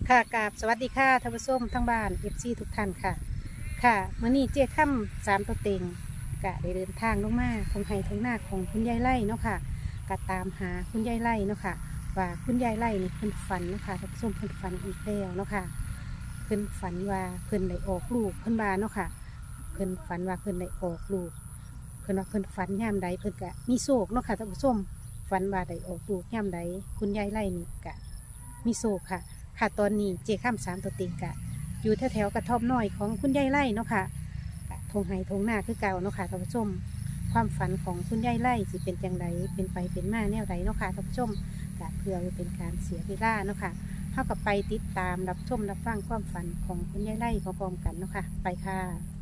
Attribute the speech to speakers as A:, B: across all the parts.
A: ค่ะกราบสวัสดีค่ะท่านผู้ชมทั้งบ้านFCทุกท่านค่ะค่ะมื้อนี้เจ๊ค่ำ3ตัวเต็งกะได้เดินทางลงมาทงไห้ทงหน้าของคุณยายไล่เนาะค่ะกะตามหาคุณยายไล่เนาะค่ะว่าคุณยายไล่นี่เพิ่นฝันเนาะค่ะท่านผู้ชมเพิ่นฝันอีกแล้วเนาะค่ะเพิ่นฝันว่าเพิ่นได้ออกลูกเพิ่นว่าเนาะค่ะเพิ่นฝันว่าเพิ่นได้ออกลูกเพิ่นว่าเพิ่นฝันยามใดเพิ่นกะมีโศกเนาะค่ะท่านผู้ชมฝันว่าได้ออกลูกยามใดคุณยายไล่นี่กะมีโศกค่ะ ค่ะตอนนี้เจข้าม3ตัวเต็งกะอยู่แถวๆกระท่อมน้อยของคุณยายไล่เนาะค่ะกะทงไห้ทงหน้าคือเก่าเนาะค่ะท่านผู้ชมความฝันของคุณยายไล่สิเป็นจังไดเป็นไปเป็นมาแนวใดเนาะค่ะท่านผู้ชมกะเพื่อเป็นการเสียเวลาเนาะค่ะเท่ากับไปติดตามรับชมรับฟังความฝันของคุณยายไล่พร้อมๆกันเนาะค่ะไปค่ะ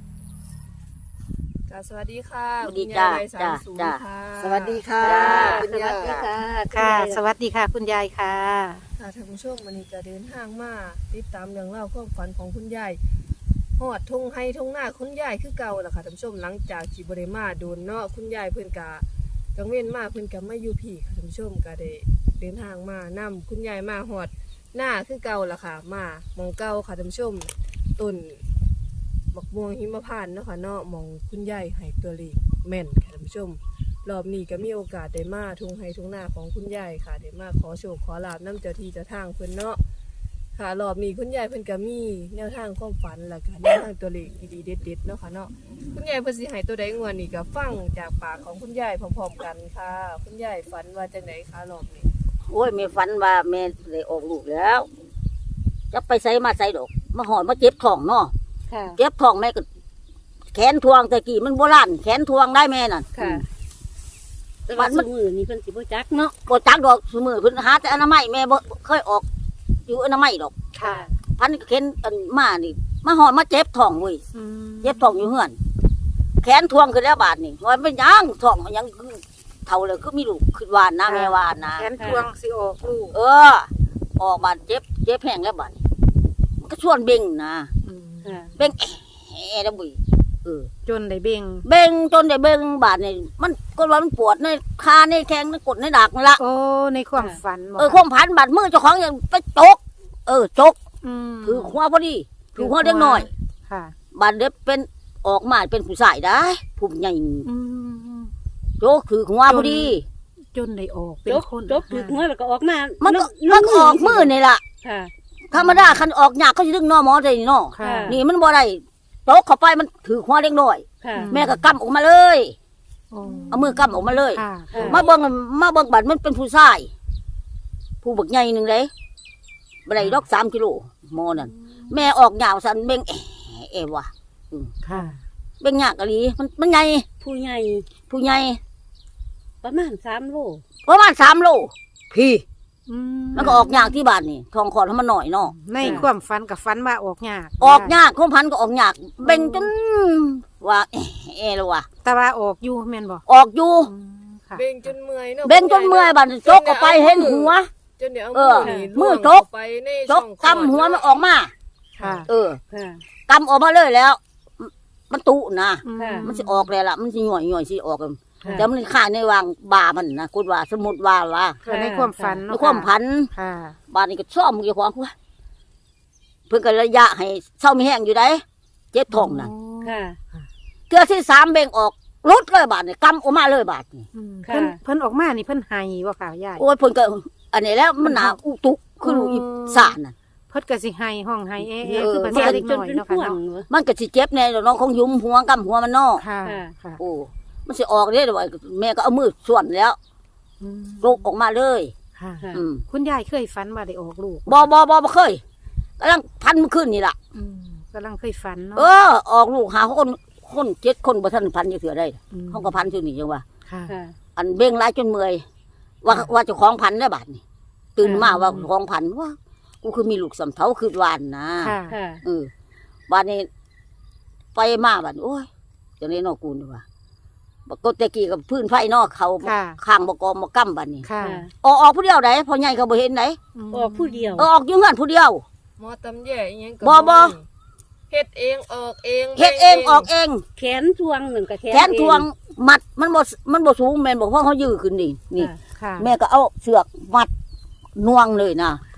B: สวัสดีค่ะ
C: สวัสดี
B: คุณ
C: จ้าย
B: ายไร่
C: จ้า
B: 30
C: จ้า
B: ค่ะ
D: สวัสดีค่ะ
C: คุณยาย
A: ค่ะ สวัสดีค่ะคุณยายค่ะ
B: ค่ะท่านผู้ชมวันนี้จะเดินทางมาติดตามเรื่องเล่าวความฝันของคุณยายหอดทงไฮทงหน้าคุณยายคือเก่าล่ะค่ะท่านผู้ชมหลังจากที่บริมาโดนเนาะคุณยายเพิ่นกะกังเว้นมาเพิ่นกะไม่อยู่พี่ค่ะท่านผู้ชมก็ได้เดินทางมานำคุณยายมาหอดหน้าคือเก่าล่ะค่ะมามองเก่าค่ะท่านผู้ชมต้นบักม่วงหิมพานต์เนาะค่ะเนาะมองคุณยายให้ตัวเลขแม่นค่ะท่านผู้ชม รอบนี้ก็มีโอกาสได้มาทุ่งไฮทุ่งนาของคุณยายค่ะได้มาขอโชคขอลาบน้ำเจ้าที่เจ้าทางเพิ่นเนาะค่ะรอบนี้คุณยายเพิ่นก็มีแนวทางความฝันแล้วก็แนวทางตัวเลขดีๆเด็ดๆเนาะค่ะเนาะคุณยายเพิ่นสิให้ตัวใดงวดนี้ก็ฟังจากปากของคุณยายพร้อมๆกันค่ะคุณยายฝันว่าจังไดคะรอบนี้
C: โอ้ยแม่ฝันว่าแม่ได้ออกลูกแล้วจะไปใส่มาใส่ดอกมาหอดมาเจ็บท้องเนาะ
A: ค่ะ
C: เจ็บท้องแม่ก็แขนทวงแต่กี้มันโบราณแขนทวงได้แม่น่ะ
A: ค่ะ
D: แต่ว่าสมือนี่เพิ่นสิบ่จักเนาะ
C: ปวดจักดอกสมือเพิ่นหาแต่อนามัยแม่บ่เคยออกอยู่อนามัยดอก
A: ค่ะ
C: พันเข็นอันมานี่มาหอดมาเจ็บท้องเว้ย
A: อืม
C: เจ็บท้องอยู่เฮือนแขนทวงขึ้นแล้วบาดนี่ว่าเป็นหยังท้องมันยังเท่าเลยคือมีลูกขึ้นวานนะแม่วานนะ
A: แขนทวงสิออกลูก
C: เออ ออกบาดเจ็บแห้งแล้วบาดนี่มันก็ชวนเบ่งนะ
D: ค่ะ
C: เบ่งแอะแล้วบุยเออ
A: จนได้เบ่ง
C: เบ่งจนได้เบ่งบาดนี่มันก็ว่ามันปวดในคาในแข้งในกดในดักนั่นละ
A: โอ้ในความฝันบ่
C: ความพันบาดมือเจ้าของยังไปจกจก
A: ม
C: ถือหัวพอดีถือหัวเล็กน้อย
A: ค่ะ
C: บาดเด็บเป็นออกมาเป็นผู้ชายได้ผู้ใหญ่
A: อืม
C: โจกถือหัวพอดี
A: จนได้ออกเป็น
D: จบ
A: คน
D: จบถึกหัวแล้วก็ออกมา
C: มันก็ออกมือนี่ล่ะ
D: ค่ะ
C: ธรรมดาคันออกยากเขาจะดึงนอหมอใจนี่นอ
A: ค่ะ
C: นี่มันบ่ได้โจกเข้าไปมันถือหัวเล็กน้อย
D: ค่ะ
C: แม่ก็กำออกมาเลย
A: โอ้
C: เอามือกำออกมาเลย
A: ค่ะ
C: มาเบิ่งบัดมันเป็นผู้ชาย ผู้บักใหญ่หนึ่งเลยบันไดดอก3 กิโลหมอนั่นแม่ออกยาวสันเบ่งเอวะ
A: ค่ะ
C: เบ่งยากอะลีมันใหญ่
D: ผู้ใหญ่
C: ผู้ใหญ่
D: ประมาณ3 โล
C: ประมาณ3 โลพี่
A: อืม
C: มันก็ออกยากที่บ้านนี่ทองคอให้มันหน่อยเนาะ
A: ในความฝันกับฝันว่าออกยาก
C: ออกยากความพันก็ออกยากเบ่งจนว่าแล้วว่ะ
A: แต่ว่าออกอยู่แม่นบ่
C: ออกอยู่
A: อืมค่ะ
B: เบ่งจนเมื่อยเนาะ
C: เบ่งจนเมื่อยบัดจกเข้าไปเห็นหัว
B: จนเดี๋ยว
C: เอ
B: เอา
C: อ
B: มือนี่
C: มือ
B: ล้วง
C: จก
B: เข้าไปใน
C: จ
B: ช่อก งคลอด
C: กำหัวมันออกมา
A: ค่ะ
C: เออ
D: ค่ะ
C: กำออกมาเลยแล้ว มันตุนะ
A: อืม
D: ค่ะ
C: มันสิออกเลยล่ะมันสิหน่อยสิออกกัน
D: ค่ะ
C: แต่มันข้างในวางบามันนะคุณว่าสมมุติว่า
A: ค่ะในความฝัน
C: ใน
A: เนาะ
C: ความพัน
A: ค่ะ
C: บานนี้ก็ซ่อมเกี่ยวกับเพิ่นก็ระยะให้เศร้ามีแห้งอยู่ได้เจ็บท้องน่ะ
D: ค่ะ
C: เทื่อที่3เบ่งออกรุดเลยบาดนี่กำออกมาเลยบาดนี่
A: อืม
D: ค่ะ
A: เพิ่นออกมานี่เพิ่นไห้บ่ค่ะยาย
C: โอ้ยเพิ่นก็อันนี้แล้วมันหนาอุตุคือลูกอีสานน่ะ
A: เพิ่นก็สิไห้ห้องไห้
C: เออ
A: คือภา
D: เจ็
A: ษา
D: บ
A: เด็ก
D: จ
A: น้
D: น
A: อย
D: เป็น
A: เนาะ
D: พ่
A: ค่ะ
D: วง
A: เนาะ
C: มันก็สิเจ็บแน่น้องของยุมหัวกำหัวมันนอก
A: ค่ะ
D: ค่ะ
A: ค่ะ
C: โอ้มันสิออกเด้อว่าแม่ก็เอามือส่วนแล้ว
A: อืม
C: ลูกออกมาเลย
A: ค่ะ
D: ค่ะ
C: อืม
A: คุณยายเคยฝันว่าได้ออกลูก
C: บ่เคยกำลังพันมันขึ้นนี่ล่ะ
A: อืมกำลังเคยฝันเนาะ
C: ออกลูกหาคน7 คนบ่ทันพันจะเถื่อได้
A: ม
C: เขาก็พันอยู่นี่จังว่า
A: ค่ะ
D: ค่ะ
C: อันเบ่งหลายจนเมื่อยว่าเจ้าของพันได้บาดนี่ตื่นมาว่าเจ้าของพันว่ากูคือมีลูกสำเทาคือวานนะ
A: ค่ะ
D: ค่ะ
C: บาดนี้ไปมาบาดนี้โอ้ยจังนี้นอกกูนี่ว่าบักกตะกี้กับพื้นไฟนอกเขา
A: ค่ะ
C: ข้างบกอมบกั้มบาดนี้
A: ค่ะ
C: ออกผู้เดียวไหนพอใหญ่เขาบ่เห็นไหน
A: ม
D: ออกผู้เดียว
C: ออกอยู่เฮือนผู้เดียว
B: หมอตำแย่อิหยังก็
C: บ่
B: เฮ็ดเองออกเอง
C: เฮ็ดเองออกเอง
D: แขนทวงหนึ่งกับแขน
C: แขนทวงมัดมันบ่สูงแม่นบอกว่าเขายื้อขึ้นนี่นี่
D: ค่ะ
A: ค่ะ
C: แม่ก็เอาเสือกมัดน่วงเลยนะ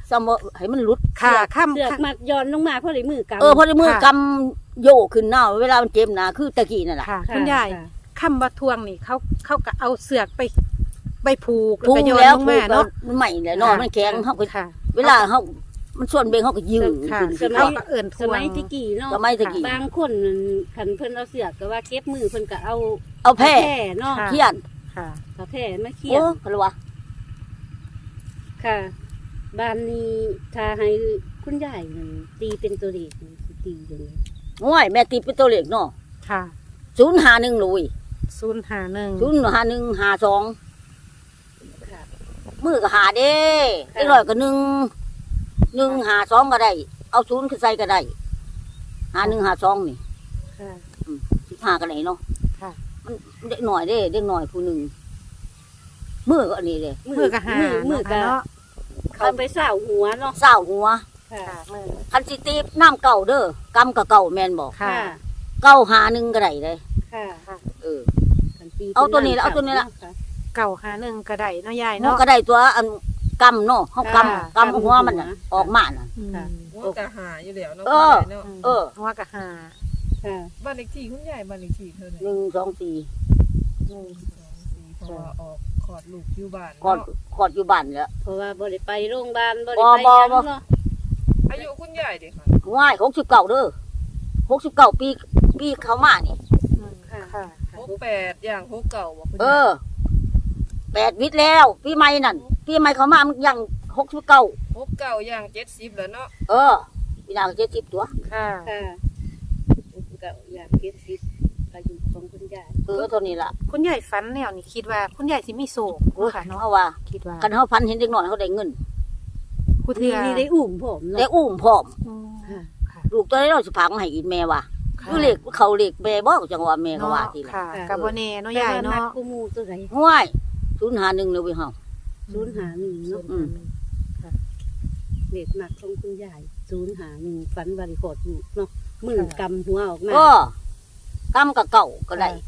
C: ซ้ำว่าให้มันหลุด
A: ค่ะค่ำ
D: เสือกมัดย้อนลงมาเพราะได้มือกำ
C: พอได้มือกำโยกขึ้นหน้าเวลามันเจ็บนะคือตะกี้นั่นแหละ
A: ค่ะ
D: ะ
A: คุณยาย
D: ค่ะ
A: ค่ำว่าทวงนี่เขาก็เอาเสือกไปผูก
C: พุ่ง
A: ก็โยน
C: แล้ว
A: ลง
C: พุ่
A: มาง
C: แล้ว
A: เนาะ
C: มันใหม่เลยเนาะมันแข็งเขาก็
A: ค่ะ
C: เวลาเขามันส่วนเบงเขาก็ยืด
A: ค่ะ
C: ขึ้น
A: เขาก็เอิ่นท
D: ส
A: ว
D: มั
A: ง
D: ยที่กี่เนาะ
C: สมัยตะกี้
D: บางคนคันเพิ่นเอาเสือกก็ว่าเก็บมือเพิ่นก็เอา
C: เอาแพร่
D: เนาะ
A: ค่ะ
C: เขียน
A: ค่ะ
D: เอาแพร่มาเขีย
C: โอ้
D: น
C: อะไรวะ
D: ค่ะบ้านนี้ถ้าให้คุณยายนั่นตีเป็นตัวเลขนี่สิตียังไง
C: ง่วยแม่ตีเป็นตัวเลขเนาะ
A: ค่ะ
C: 051ลุย
A: 051
C: 05152
D: ค่ะ
C: มือก็หาเด้ไอ้ร้อยก็152ก็ได้เอา0ขึ้นใส่ก็ได้5152นี่
A: ค่ะ
C: 15ก็ได้เนาะ
A: ค่ะ
C: มันเด็กหน่อยเด้เด็กหน่อยผู้หนึงมือก็อันนี้เด้
A: มือก็หา
D: มือก็
A: เนาะ
D: เขาไปสาวหัวเนาะ
C: เศร้าหัว
D: ค่ะ
A: ค่ะมือ
C: คันสิตีน้ำเก่าเด้อกำกับเก่าแม่นบอก
A: ค่ะ
C: เก่า1ก็ได้เลย
D: ค่ะ
A: ค่ะ
C: เออ
D: กันตี
C: เอาตัวนี้ละเอาตัวนี้ละ
D: ค่ะ
A: เก่า51ก็ได้เนาะยาย
C: เนาะ
A: เนาะ
C: ก็ได้ตัวอันกำเนาะเฮา
D: ค่ะ
C: กำหัวมันน่ะออกมาน่ะ
A: อืม
D: ค่ะ
B: ว่ากะหาอยู่แล้วเนาะ
C: เออ
B: เนาะ
C: เออ
A: หัวก็หา
D: ค่ะ
B: บ้านเลขที่คุณยายบ้านเลขที่เท่าไหร่
C: 1 2 4
B: เพราะว่าออกขอดลูกอยู่บ้าน
C: กอด
B: เนาะ
C: กอดอยู่บ้านแล้ว
D: เพราะว่าบ่ได้ไปโรงพยาบาลบ่
C: บ่
D: ได้ไป
C: บ่
D: หยัง
C: บ่
D: เนาะ
B: อายุคุณยายเด็กค่ะ
C: ง่าย69เด้อ69ปีเข้ามานี่
A: อืมค่ะ
B: 68อย่าง69บ่คุณ
C: เอย
B: าย
C: อ8วิทย์แล้วปีใหม่นั่นปีใหม่เข้ามามันยัง69
B: 69อย่าง70แล้วเนาะ
C: เออปีหน้าก็70ตัว
A: ค่ะ
D: ค่ะก็อยากเก็บสิทธิ์อายุของคุณยาย
C: เออเท่านี้ล่ะ
A: คุณยายฝันแนวนี่คิดว่าคุณยายสิมีโศก
C: โอ้ย
A: ค่ะเนาะ
C: เฮาว่า
A: คิดว่า
C: คันเฮาพันเห็นเด็กน้อยเขาได้เงิน
A: ผู้เทื่อ
D: นี่ได้อุ้มผมเนาะ
C: ได้อุ้มพร้อม
A: อืมค่ะ
C: ลูกตัวนี้เราสิพามาให้กินแม่ว่ะ
A: ค่ะ
C: คือเลขเขาเลขแม่บ่จังว่าแม่ก็ว่าทีละ
A: ค่ะกับบ่แน่เนาะยาย
D: แต่ว่มัก
A: เนาะ
D: กูมูตัวไหน
C: ห้วย051เลยเว้ยเฮา
D: 051เนาะ
C: อืม
D: เด็กหนักของคุณยาย051ฝันวันขอดอยู่เนาะมือกำหัวออกมา
C: ก็กำกับเก่าก็ได้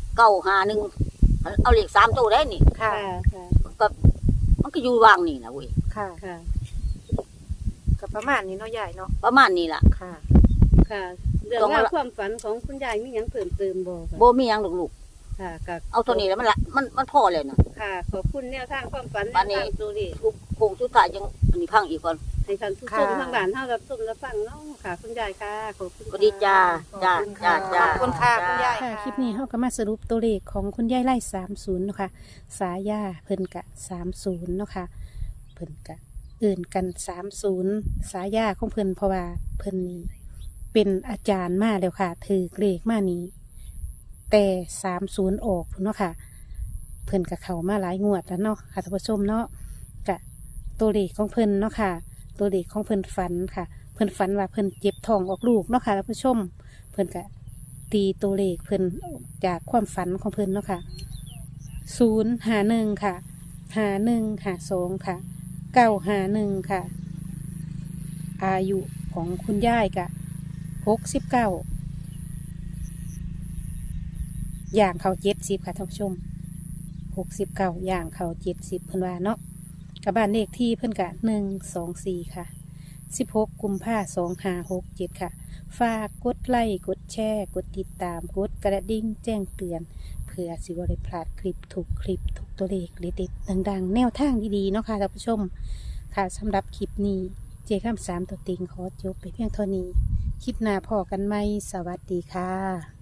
C: 951เอาเลข3ตัวได้นี่
A: ค่ะ
D: ค่ะ
C: ก็มันก็อยู่วางนี่นะเว้ย
A: ค่ะ
D: ค่ะ
A: กับประมาณนี้เนาะยายเนาะ
C: ประมาณนี้ล่ะ
A: ค่ะ
D: ค่ะเรื่องราวความฝันของคุณยายมีหยังเพิ่มเติมบ่คะ
C: บ่มีหยังหรอกลูก
D: ค่ะกับ
C: เอาตัวนี้แล้วมันพอแล้วนะ
D: ค่ะ ขอบคุณแนวทางความฝัน
C: บัดนี้
D: แนวทางตัวเลข
C: ทุกโคงสุดท้ายจังอันนี้พังอีกก่อน
D: ให้ท่านผู้ชมทางบ้านเฮารับชมรับฟังเนาะค่ะ คุณยายค่ะขอบคุณ
C: ก็ดีจ้าจ้าจ้าจ้า
A: ขอบคุณค่ะคุณยาย
C: จ้
A: ค่ะคลิปนี้เฮาก็มาสรุปตัวเลขของคุณยายไล่30เนาะค่ะสายาเพิ่นกะ30เนาะค่ะเพิ่นกะเอื่นกัน30สายาของเพิ่นเพราะว่าเพิ่นนี่เป็นอาจารย์มาแล้วค่ะถือเลขมานี้แต่30ออกพุ่นเนาะค่ะ เพิ่นกับเขามาหลายงวดแล้วเนาะค่ะท่านผู้ชมเนาะกะตัวเลขของเพิ่นเนาะค่ะ ตัวเลขของเพิ่นฝันค่ะ เพิ่นฝันว่าเพิ่นเจ็บท้องออกลูกเนาะค่ะท่านผู้ชม เพิ่นกะตีตัวเลขเพิ่นจากความฝันของเพิ่นเนาะค่ะ051ค่ะ5152ค่ะ951ค่ะ อายุของคุณยายกะ69อย่างเขา70ค่ะท่านผู้ชม 69อย่างเขา70เพิ่นว่าเนาะกับบ้านเลขที่เพิ่นกะ124ค่ะ16กุมภา2567ค่ะฝากกดไลค์กดแชร์กดติดตามกดกระดิ่งแจ้งเตือนเพื่อสิบ่ได้พลาดคลิปทุกตัวเลขเด็ดๆดังๆ แนวทางดีๆเนาะค่ะท่านผู้ชมค่ะสำหรับคลิปนี้เจข้าม3ตัวเต็งขอจบไปเพียงเท่านี้คลิปหน้าพอกันไหมสวัสดีค่ะ